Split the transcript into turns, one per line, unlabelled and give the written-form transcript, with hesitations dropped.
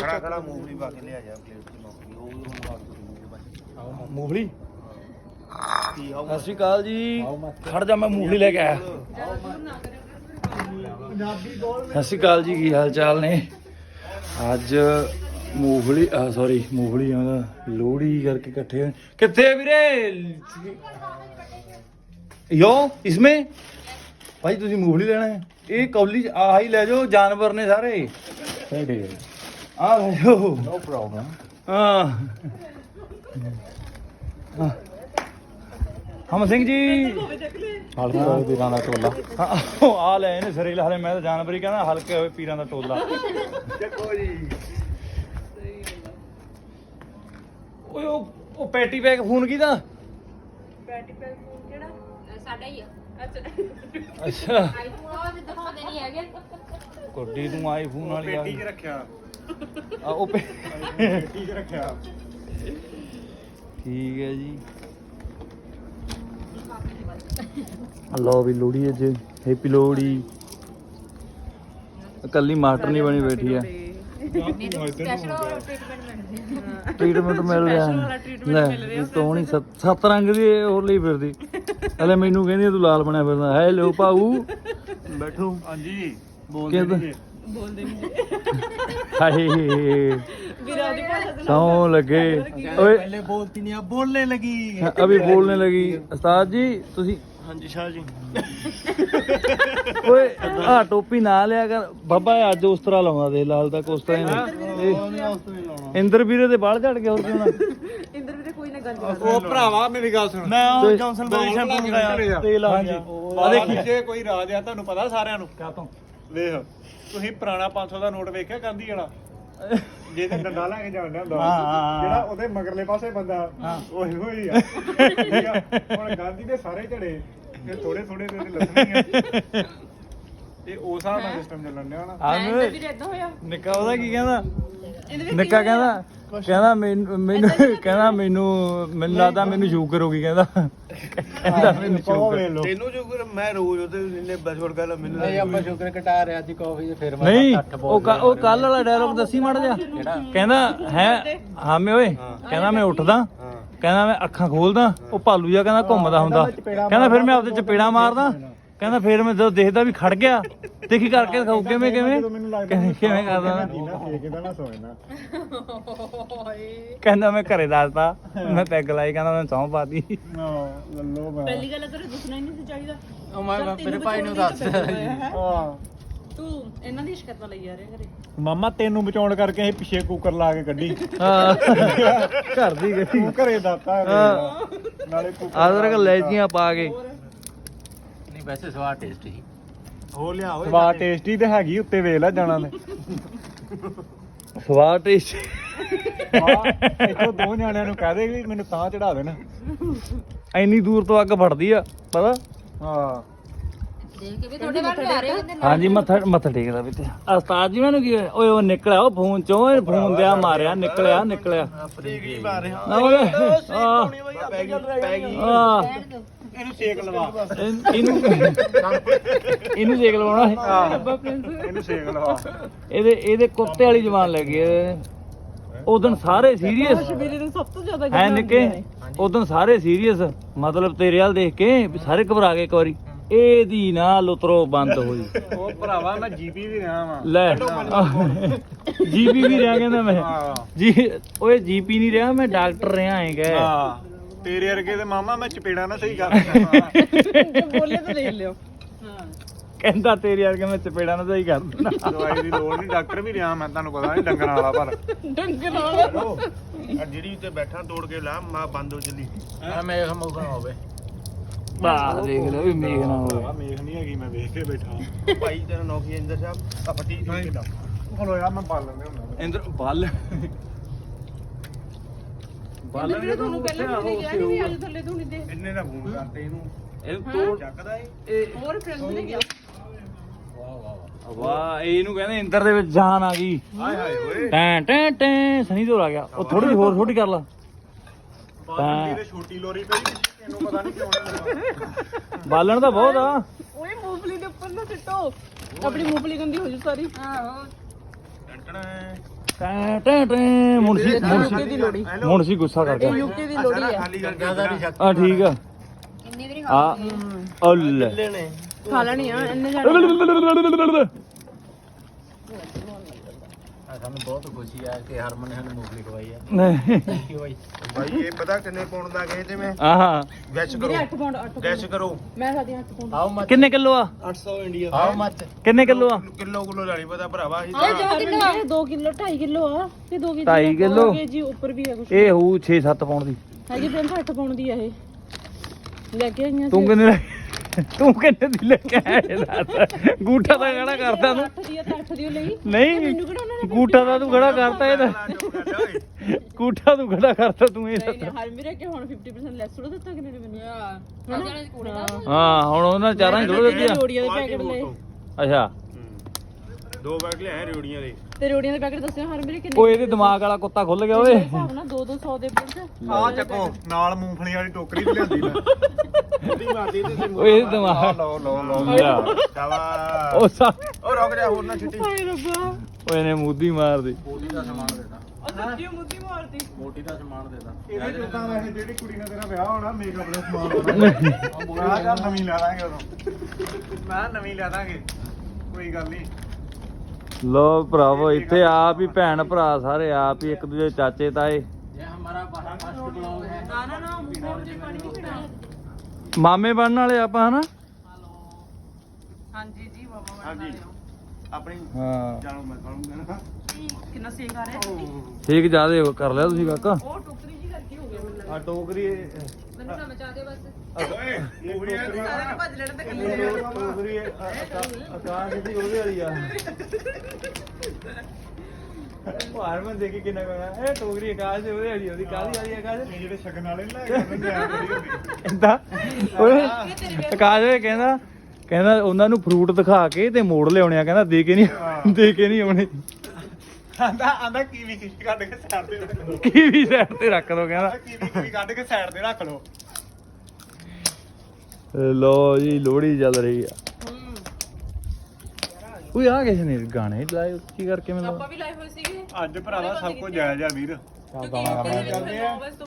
ਖੜਾ ਖੜਾ ਮੂੰਗਫਲੀ ਪਾ ਕੇ ਲਿਆ ਜਾ ਪਲੇਟ 'ਚ ਮੂੰਗਫਲੀ ਉਹ ਹੁਣ ਪਾ ਕੇ
ਮੂੰਗਫਲੀ। ਸਤਿ ਸ਼੍ਰੀ ਅਕਾਲ ਜੀ। ਖੜ ਜਾ ਮੈਂ ਮੂੰਗਫਲੀ ਲੈ ਕੇ ਆਇਆ। ਸਤਿ ਸ਼੍ਰੀ ਅਕਾਲ ਜੀ, ਕੀ ਹਾਲ ਚਾਲ ਨੇ? ਅੱਜ ਮੂੰਗਫਲੀ ਸੌਰੀ ਮੂੰਗਫਲੀ ਲੋਹੜੀ ਕਰਕੇ ਇਕੱਠੇ ਹੋਏ। ਕਿੱਥੇ ਵੀਰੇ ਯੋ ਇਸਮੇ ਭਾਈ ਤੁਸੀਂ ਮੂੰਗਫਲੀ ਲੈਣਾ ਹੈ? ਇਹ ਕੌਲੀ ਆਹ ਹੀ ਲੈ ਜਾਓ, ਜਾਨਵਰ ਨੇ ਸਾਰੇ ਆ ਲੈ ਜਾਓ। No problem. ਹਾਂ ਹਮ ਸਿੰਘ ਜੀ ਹਲਕੇ ਪੀਰਾਂ ਦਾ ਟੋਲਾ ਆ ਲੈ ਇਹਨੇ ਸਰੀਰ ਹਲੇ ਮੈਂ ਤਾਂ ਜਾਨਵਰ ਹੀ ਕਹਿੰਦਾ ਹਲਕੇ ਹੋਏ ਪੀਰਾਂ ਦਾ ਟੋਲਾ। ਦੇਖੋ ਜੀ ਓਏ ਉਹ ਪੈਟੀ ਪੈਕ ਫੋਨ ਕਿਹਦਾ?
ਪੈਟੀ ਪੈਕ ਫੋਨ ਕਿਹੜਾ? ਸਾਡਾ ਹੀ ਆ।
ਅੱਛਾ
ਆਈਫੋਨ ਉਹ ਦਿਖਾਉਂਦੇ ਨਹੀਂ ਹੈਗੇ।
ਕੋਡੀ ਤੂੰ ਆਈਫੋਨ ਵਾਲੀ
ਪੇਟੀ 'ਚ ਰੱਖਿਆ
ਆ ਉਹ
ਪੇਟੀ 'ਚ ਰੱਖਿਆ।
ਠੀਕ ਹੈ ਜੀ। ਲਓ ਵੀ ਲੋਹੜੀ ਅੱਜ ਹੈਪੀ ਲੋਹੜੀ। ਕੱਲੀ ਮਾਸਟਰ ਨਹੀਂ ਬਣੀ ਬੈਠੀ ਆ।
ਸਪੈਸ਼ਲ
ਟ੍ਰੀਟਮੈਂਟ ਮਿਲ ਰਿਹਾ ਲੈ ਤੂੰ ਨਹੀਂ ਸੱਤ ਰੰਗ ਦੀ ਹੋਰ ਲਈ ਫਿਰਦੀ ਹਲੇ ਮੈਨੂੰ ਕਹਿੰਦੀ ਤੂੰ ਲਾਲ ਬਣਿਆ ਫਿਰਦਾ। ਹੈਲੋ ਭਾਊ ਬੈਠੋ।
ਹਾਂਜੀ
ਬੋਲਦੇ
ਨਹੀਂ
ਹਾਏ
ਵੀਰਾ ਦੀ ਭਾਸ਼ਾ ਤੇ
ਸੌਂ ਲੱਗੇ ਓਏ
ਪਹਿਲੇ ਬੋਲਤੀ ਨਹੀਂ ਆ ਬੋਲਨੇ ਲਗੀ
ਅਭੀ ਬੋਲਨੇ ਲਗੀ। ਉਸਤਾਦ ਜੀ ਤੁਸੀਂ
ਹਾਂਜੀ ਸ਼ਾਹ ਜੀ
ਓਏ ਆ ਟੋਪੀ ਨਾ ਲਿਆ ਕਰ ਬਾਬਾ ਅੱਜ ਉਸ ਤਰ੍ਹਾਂ ਲਾਉਂਦਾ ਦੇ ਲਾਲ ਦਾ ਉਸ ਤਰ੍ਹਾਂ ਹੀ ਇੰਦਰ ਵੀਰੇ ਦੇ ਬਾਲ ਝੜ ਗਏ ਹੋਰ ਕਿਉਂ ਨਾ।
ਇੰਦਰ ਵੀਰੇ ਕੋਈ ਨਾ ਗੱਲ
ਉਹ ਭਰਾਵਾ ਮੇਰੀ ਗੱਲ ਸੁਣ ਮੈਂ ਉਹ ਜੌਨਸਨ ਬੇਬੀ ਸ਼ੈਂਪੂ ਮੰਗਾਇਆ
ਤੇਲ ਆ
ਹਾਂਜੀ ਆ ਦੇਖੀ ਜੇ ਕੋਈ ਰਾਜ ਆ ਤੁਹਾਨੂੰ ਪਤਾ ਸਾਰਿਆਂ ਨੂੰ
ਕਾ ਤੋਂ
ਵੇਖ ਤੁਸੀਂ ਪੁਰਾਣਾ 500 ਦਾ ਨੋਟ ਵੇਖਿਆ ਗਾਂਧੀ ਵਾਲਾ ਜਿਹਦੇ ਡੰਡਾ ਲੈ ਕੇ ਜਾਂਦਾ ਹੁੰਦਾ ਜਿਹੜਾ ਉਹਦੇ ਮਗਰਲੇ ਪਾਸੇ ਬੰਦਾ ਉਹੀ ਹੋਈ ਆ ਠੀਕ ਆ ਹੁਣ ਗਾਂਧੀ ਦੇ ਸਾਰੇ ਝੜੇ ਫਿਰ ਥੋੜੇ ਥੋੜੇ ਦੇ ਲੱਥਣੇ ਆ ਇਹ ਉਸ ਹਿਸਾਬ ਨਾਲ ਸਿਸਟਮ ਚੱਲਣ ਡਿਆ ਨਾ
ਇੰਦਰ ਵੀਰੇ ਇਦਾਂ ਹੋਇਆ।
ਨਿੱਕਾ ਉਹਦਾ ਕੀ ਕਹਿੰਦਾ? ਨਿੱਕਾ ਕਹਿੰਦਾ ਮੈਨੂੰ ਲੱਗਦਾ ਮੈਨੂੰ ਸ਼ੂਗਰ ਹੋ ਗਈ ਕਹਿੰਦਾ ਮੈਨੂੰ ਸ਼ੂਗਰ।
ਤੈਨੂੰ ਸ਼ੂਗਰ ਮੈਂ ਰੋਜ਼ ਉਹਦੇ ਇੰਨੇ ਬਸਵੜ ਗੱਲ ਮੈਨੂੰ
ਨਹੀਂ ਆਪਾਂ ਸ਼ੂਗਰ ਘਟਾ ਰਿਹਾ ਸੀ ਕਾਫੀ ਫਿਰ ਮੈਂ
ਨਹੀਂ ਉਹ ਕੱਲ ਵਾਲਾ ਡਾਇਲੌਗ ਦੱਸੀ ਮੜ ਜਾ। ਕਹਿੰਦਾ ਹੈ ਹਾਮੇ ਓਏ ਕਹਿੰਦਾ ਮੈਂ ਉੱਠਦਾ ਕਹਿੰਦਾ ਮੈਂ ਅੱਖਾਂ ਖੋਲਦਾ ਉਹ ਭਾਲੂ ਜਿਹਾ ਕਹਿੰਦਾ ਘੁੰਮਦਾ ਹੁੰਦਾ ਕਹਿੰਦਾ ਫਿਰ ਮੈਂ ਆਪਦੇ ਚਪੇੜਾ ਮਾਰਦਾ ਕਹਿੰਦਾ ਫਿਰ ਮੈਂ ਜਦੋਂ ਦੇਖਦਾ ਵੀ ਖੜ ਗਿਆ ਦੇਖੀ ਕਰਕੇ ਦਿਖਾਉ ਕਿਵੇਂ ਕਿਵੇਂ ਕਰਦਾ ਕਹਿੰਦਾ ਮੈਂ ਘਰੇ ਦੱਸਦਾ ਮੈਂ ਪੈਗ ਲਾਈ ਕਹਿੰਦਾ ਮੈਂ ਸੌਂ ਪਾਤੀ।
ਪਹਿਲੀ ਗੱਲ ਤੇਰੇ ਦੱਸਣਾ ਹੀ ਨਹੀਂ ਸੀ ਚਾਹੀਦਾ।
ਉਹ ਮੈਂ ਮੇਰੇ ਭਾਈ ਨੂੰ ਦੱਸ
ਤੂੰ ਇਹਨਾਂ ਦੀ ਸ਼ਿਕਾਇਤਾਂ ਲਈ ਜਾ ਰਿਹਾ ਘਰੇ।
ਮਾਮਾ ਤੈਨੂੰ ਬਚਾਉਣ ਕਰਕੇ ਅਸੀਂ ਪਿੱਛੇ ਕੁੱਕਰ ਲਾ ਕੇ ਕੱਢੀ
ਹਾਂ ਘਰ ਦੀ ਗੱਡੀ
ਤੂੰ ਘਰੇ ਦਾਤਾ ਨਾਲੇ
ਆਦਰ ਲੈਚੀਆਂ ਪਾ ਕੇ
ਨਹੀਂ ਵੈਸੇ ਸਵਾਦ ਟੇਸਟੀ
ਹੋ ਲਿਆ ਓਏ ਸਵਾਦ ਟੇਸਟੀ ਤੇ ਹੈਗੀ ਉੱਤੇ ਵੇਖ ਲੈ ਜਾਣਾ ਨੇ
ਸਵਾਦ ਟੇਸਟ
ਇੱਥੋਂ ਦੋ ਨਿਆਣਿਆਂ ਨੂੰ ਕਹਿ ਦੇ ਵੀ ਮੈਨੂੰ ਤਾਂ ਚੜਾ ਦੇਣ
ਇੰਨੀ ਦੂਰ ਤੋਂ ਅੱਗ ਫੜਦੀ ਆ ਪਤਾ।
ਹਾਂ
ਦੇਖ ਕੇ ਵੀ ਤੁਹਾਡੇ ਵੱਲ ਆ ਰਹੇ ਹੁੰਦੇ
ਹਾਂਜੀ ਮੱਥਾ ਟੇਕਦਾ ਵੀ ਤੇ ਉਸਤਾਦ ਜੀ ਮੈਨੂੰ ਕੀ ਹੋਇਆ? ਓਏ ਉਹ ਨਿਕਲਿਆ ਉਹ ਫੋਨ ਚੋਂ ਫੋਨ ਦਿਆ ਮਾਰਿਆ ਨਿਕਲਿਆ
ਫਰੀਗਰੀ ਮਾਰ ਰਿਹਾ
ਨਾ ਓਏ
ਪੈ ਗਈ ਇਹਨੂੰ ਸੇਕ ਲਵਾ
ਇਹਨੂੰ ਸੇਕ ਲਵਾਉਣਾ
ਇਹਨੂੰ ਸੇਕ ਲਵਾ
ਇਹਦੇ ਕੁੱਤੇ ਵਾਲੀ ਜ਼ਬਾਨ ਲੈ ਗਈ ਉਦੋਂ ਸਾਰੇ ਸੀਰੀਅਸ
ਵੀਰੇ ਨੂੰ ਸਭ ਤੋਂ ਜ਼ਿਆਦਾ
ਹੈ ਨਿੱਕੇ ਉਦੋਂ ਸਾਰੇ ਸੀਰੀਅਸ ਮਤਲਬ ਤੇਰੇ ਵੱਲ ਦੇਖ ਕੇ ਵੀ ਸਾਰੇ ਘਬਰਾ ਗਏ ਇੱਕ ਵਾਰੀ ਇਹਦੀ ਨਾ ਲੁਤਰੋ ਬੰਦ ਹੋਈ।
ਉਹ ਭਰਾਵਾ ਮੈਂ ਜੀਪੀ ਵੀ ਰਿਹਾ ਵਾਂ
ਲੈ ਜੀਪੀ ਵੀ ਰਿਹਾ ਕਹਿੰਦਾ ਮੈਂ ਜੀ ਓਏ ਜੀਪੀ ਨਹੀਂ ਰਿਹਾ ਮੈਂ ਡਾਕਟਰ ਰਿਹਾ ਹੈਗਾ।
ਹਾਂ ਤੇਰੇ ਵਰਗੇ ਤੇ ਮਾਮਾ ਮੈਂ ਚਪੇੜਾ ਨਾ ਸਹੀ ਕਰ ਦਿੰਦਾ
ਬੋਲੇ ਤਾਂ ਦੇਖ ਲਿਓ।
ਕਹਿੰਦਾ ਤੇਰੇ ਵਰਗੇ ਮੈਂ ਚਪੇੜਾ ਨਾ ਸਹੀ ਕਰ ਦਿੰਦਾ।
ਦਵਾਈ ਦੀ ਲੋੜ ਨਹੀਂ ਡਾਕਟਰ ਵੀ ਰਿਹਾ ਮੈਂ ਤੁਹਾਨੂੰ ਪਤਾ ਨਹੀਂ ਡੰਗਰਾਂ ਵਾਲਾ ਪਰ
ਡੰਗਰ ਨਾਲ
ਜਿਹੜੀ ਉੱਤੇ ਬੈਠਾ ਤੋੜ ਕੇ ਲਾ ਮਾ ਬੰਦ ਹੋ ਚੱਲੀ
ਮੇਖ ਮੁਖ ਨਾ ਹੋਵੇ।
ਬਾਹ ਦੇਖ ਲਓ ਵੀ ਮੇਘ ਨਾ ਹੋਵੇ।
ਆ ਮੇਖ ਨਹੀਂ ਹੈਗੀ ਮੈਂ ਵੇਖ ਕੇ ਬੈਠਾ ਭਾਈ ਤੇਰਾ ਨੌਕੀ ਇੰਦਰ ਸਾਹਿਬ ਆ ਫੱਟੀ ਸੀ ਕਿਦਾਂ ਹਲੋ ਯਾਰ ਮੈਂ ਬਾਲ ਲੈਂਦੇ ਹੁੰਦਾ
ਇੰਦਰ ਬੱਲ
ਵੀਰੇ ਤੁਹਾਨੂੰ ਪਹਿਲਾਂ ਵੀ ਕਿਹਾ ਨਹੀਂ ਅੱਜ ਥੱਲੇ ਤੂੰ ਨਹੀਂ ਦੇ
ਇੰਨੇ ਦਾ ਫੋਨ ਕਰਤੇ ਇਹਨੂੰ
ਇਹ ਤੋੜ
ਚੱਕਦਾ ਇਹ
ਹੋਰ ਫਰੈਂਡ ਨੇ ਗਿਆ।
ਵਾਹ ਇਹਨੂੰ ਕਹਿੰਦੇ ਇੰਦਰ ਦੇ ਵਿੱਚ ਜਾਨ ਆ ਗਈ।
ਹਾਏ ਹਾਏ ਓਏ
ਟੈਂ ਟੈਂ ਟੈਂ ਸਨੀ ਤੋਂ ਆ ਗਿਆ ਉਹ ਥੋੜੀ ਜਿਹੀ ਹੋਰ ਛੋਟੀ ਕਰ ਲਾ।
ਬਾਕੀ ਤੇ ਛੋਟੀ ਲੋਰੀ ਪਈ ਇਹਨੂੰ ਪਤਾ ਨਹੀਂ ਕਿਉਂ ਨਹੀਂ
ਬਾਲਣ ਤਾਂ ਬਹੁਤ ਆ।
ਓਏ ਮੂੰਗਫਲੀ ਦੇ ਉੱਪਰ ਨਾ ਸਿੱਟੋ ਆਪਣੀ ਮੂੰਗਫਲੀ ਗੰਦੀ ਹੋ ਜੂ ਸਾਰੀ। ਆਹੋ
ਟੰਟਣਾ
ਟੈਂ ਟੈਂ ਟੈਂ ਮੁਨਸੀ ਗੁੱਸਾ ਕਰ ਗਿਆ
ਯੂਕੇ ਦੀ ਲੋੜੀ ਹੈ
ਆ ਠੀਕ ਆ ਆ ਉੱਲ
ਖਾ ਲੈਣੀ ਆ ਇੰਨੇ ਜਾਣੇ
ਸਾਨੂੰ ਬਹੁਤ ਖੁਸ਼ੀ ਆ ਕਿ ਹਰਮਨ ਨੇ ਸਾਨੂੰ ਮੂੰਗਫਲੀ ਖਵਾਈ ਆ
ਨਹੀਂ
ਥੈਂਕ ਯੂ ਬਾਈ
ਭਾਈ ਇਹ ਪਤਾ ਕਿੰਨੇ ਪਾਉਣ ਦਾ ਗਏ ਤੇ ਮੈਂ
ਆਹਾ
ਗੈਸ
ਵੀਰੇ 8 ਪਾਉਂਡ 8
ਗੈਸ ਕਰੋ
ਮੈਂ ਸਾਡੀ 8 ਪਾਉਂਡ
ਹਾਊ ਮਚ
ਕਿੰਨੇ ਕਿਲੋ ਆ
800 ਇੰਡੀਆ
ਹਾਊ ਮਚ
ਕਿੰਨੇ ਕਿਲੋ ਆ
ਕਿਲੋ ਲੈਣੀ ਪਤਾ ਭਰਾਵਾ ਅਸੀਂ
2 ਕਿਲੋ 2 ਕਿਲੋ 2.5 ਕਿਲੋ ਆ ਕਿ 2 ਕਿਲੋ
2.5 ਕਿਲੋ?
ਜੀ ਉੱਪਰ ਵੀ ਹੈ ਕੁਝ
ਇਹ ਹੋਊ 6-7 ਪਾਉਣ ਦੀ
ਹੈਗੀ ਫਿਰ 8 ਪਾਉਂਡ ਦੀ ਆ ਇਹ ਲੈ ਕੇ ਆਈਆਂ
ਤੂੰ ਕਿੰਨੇ ਤੂੰ ਕਿੰਨੇ ਦੀ ਲੈ ਕੇ ਆਇਆ ਦੱਸ ਗੂਠਾ ਤਾਂ ਖੜਾ ਕਰਦਾ ਤੂੰ
8 ਦੀ ਆ ਤਾਂ 8 ਦੀ ਓ ਲਈ
ਨਹੀਂ
ਮੈਨੂੰ ਕਿਹੜਾ ਉਹਨਾਂ ਨੇ
ਗੂਠਾ ਤਾਂ ਤੂੰ ਖੜਾ ਕਰਤਾ ਇਹਦਾ ਗੂਠਾ ਤੂੰ ਖੜਾ ਕਰਤਾ ਤੂੰ ਇਹ
ਨਹੀਂ ਨਹੀਂ ਹਰ ਮੇਰੇ ਕਿ ਹੁਣ 50% ਲੈਸ ਥੋੜਾ ਦਿੱਤਾ ਕਿਨੇ ਨੇ ਮੈਨੂੰ
ਹਾਂ ਹੁਣ ਉਹਨਾਂ ਚਾਰਾਂ ਹੀ ਥੋੜਾ ਦਿੱਤੀ ਆ
ਰੋੜੀਆਂ ਦੇ ਪੈਕੇਟ ਲਏ
ਅੱਛਾ
2 ਬੈਗ ਲਿਆਏ ਰਿਉੜੀਆਂ ਦੇ
ਤੇ ਰੋੜੀਆਂ ਦੇ ਪੈਕੇਟ ਦੱਸਿਓ ਹਰ ਮੇਰੇ ਕਿੰਨੇ
ਉਹ ਇਹਦੇ ਦਿਮਾਗ ਵਾਲਾ ਕੁੱਤਾ ਖੁੱਲ ਗਿਆ ਓਏ
ਹਿਸਾਬ ਨਾਲ 2-200 ਦੇ ਵਿੱਚ
ਆ ਚੱਕੋ ਨਾਲ ਮੂੰਗਫਲੀ ਵਾਲੀ ਟੋਕਰੀ ਵੀ ਲਿਆਂਦੀ ਮੈਂ ਉਹਦੀ ਮਾਰਦੀ ਤੇ
ਓਏ ਇਹਦੇ ਦਿਮਾਗ
ਲਓ
ਲਿਆ।
ਸ਼ਾਬਾਸ਼
ਉਹ ਸਾ
ਉਹ ਰੁਕ ਜਾ ਹੋਰ ਨਾ ਛਿੱਟੀ
ਹਾਏ ਰੱਬਾ
ਓਏ ਇਹਨੇ ਮੂਦੀ ਮਾਰਦੀ
ਮੋਟੀ ਦਾ ਸਮਾਨ ਦੇਦਾ
ਉਹ ਸੱਚੀ ਮੁੱਦੀ ਮਾਰਦੀ
ਮੋਟੀ ਦਾ ਸਮਾਨ ਦੇਦਾ
ਇਹਦੇ ਜੁੱਤਾਂ ਵੈਸੇ ਜਿਹੜੀ ਕੁੜੀ ਨਾਲ ਤੇਰਾ ਵਿਆਹ ਹੋਣਾ ਮੇਕਅਪ ਦਾ ਸਮਾਨ ਹੋਣਾ ਆ ਚੱਲ ਨਵੀਂ ਲੈ ਦਾਂਗੇ ਉਦੋਂ ਮੈਂ ਨਵੀਂ ਲੈ ਦਾਂਗੇ ਕੋਈ ਗੱਲ ਨਹੀਂ
ਲੋ ਭਰਾਵੋ ਇੱਥੇ ਆਪ ਹੀ ਭੈਣ ਭਰਾ ਸਾਰੇ ਆਪ ਹੀ ਇੱਕ ਦੂਜੇ ਚਾਚੇ ਤਾਏ
ਇਹ ਹਮਾਰਾ ਫਸਟ ਬਲੌਗ ਹੈ
ਨਾ ਮੂੰਹ ਤੇ ਪਾਣੀ ਨਹੀਂ ਪੀਣਾ
ਮਾਮੇ ਬਣਨ ਵਾਲੇ ਆਪਾਂ ਹਨਾ
ਹਾਂਜੀ ਜੀ ਮਾਮਾ
ਹਾਂਜੀ ਆਪਣੀ
ਹਾਂ
ਜਾਣੋ ਮੈਂ ਖਾਣੂਗਾ ਨਾ
ਕਿੰਨਾ ਸੇਕ ਆ ਰਿਹਾ
ਠੀਕ ਜਿਆਦੇ ਕਰ ਲਿਆ ਤੁਸੀਂ ਕਾਕਾ
ਉਹ ਟੋਕਰੀ ਜੀ ਕਰਕੇ ਹੋ ਗਿਆ ਮੈਨੂੰ
ਆ ਟੋਕਰੀ
ਮੈਨੂੰ ਸਮਝ ਆ ਗਿਆ ਬਸ
ਓਏ ਟੋਕਰੀ
ਸਾਰਿਆਂ ਨੂੰ ਭੱਜ ਲੈਣ ਤੇ ਕੱਲੀ
ਟੋਕਰੀ ਆਕਾਸ਼ ਦੀ ਉਹਦੇ ਵਾਲੀ ਆ ਉਹ ਹਰਮਨ ਦੇਖੀ ਕਿੰਨਾ ਕਹਣਾ ਇਹ ਟੋਕਰੀ ਆਕਾਸ਼ ਦੇ ਉਹਦੇ ਵਾਲੀ ਉਹਦੀ ਕਾਹਦੀ ਵਾਲੀ ਆਕਾਸ਼ ਇਹ ਜਿਹੜੇ ਸ਼ਗਨ ਵਾਲੇ ਨੇ ਲੈ ਕੇ ਆਉਂਦੇ
ਏਦਾਂ ਓਏ ਆਕਾਸ਼ ਓਏ ਕਹਿੰਦਾ ਉਹਨਾਂ ਨੂੰ ਫਰੂਟ ਦਿਖਾ ਕੇ ਤੇ ਮੋੜ ਲਿਆਉਣੇ ਆ ਕਹਿੰਦਾ ਦੇ ਕੇ ਨਹੀਂ ਆਉਣੇ
ਆਂਦਾ ਕੀਵੀ ਕੱਢ ਕੇ ਸਾਈਡ ਤੇ ਰੱਖ ਲਓ
ਕੀ ਵੀ ਸਾਈਡ ਤੇ ਰੱਖ ਦੋ ਕਹਿੰਦਾ
ਕੀਵੀ ਕੱਢ ਕੇ ਸਾਈਡ ਤੇ ਰੱਖ ਲਓ
ਲੋ ਜੀ ਲੋਹੜੀ ਚੱਲ ਰਹੀ ਆ ਓਏ ਆ ਕਿਸੇ ਨੇ ਗਾਣੇ ਲਾਏ ਉੱਚੀ ਕਰਕੇ ਮੈਨੂੰ
ਆਪਾਂ ਵੀ ਲਾਏ ਹੋਏ ਸੀਗੇ
ਅੱਜ ਭਰਾਵਾ ਸਭ ਕੁਝ ਜਾਇਜ਼ ਆ ਵੀਰ
ਚੱਲ ਗਾਣਾ
ਕਰਦੇ ਆ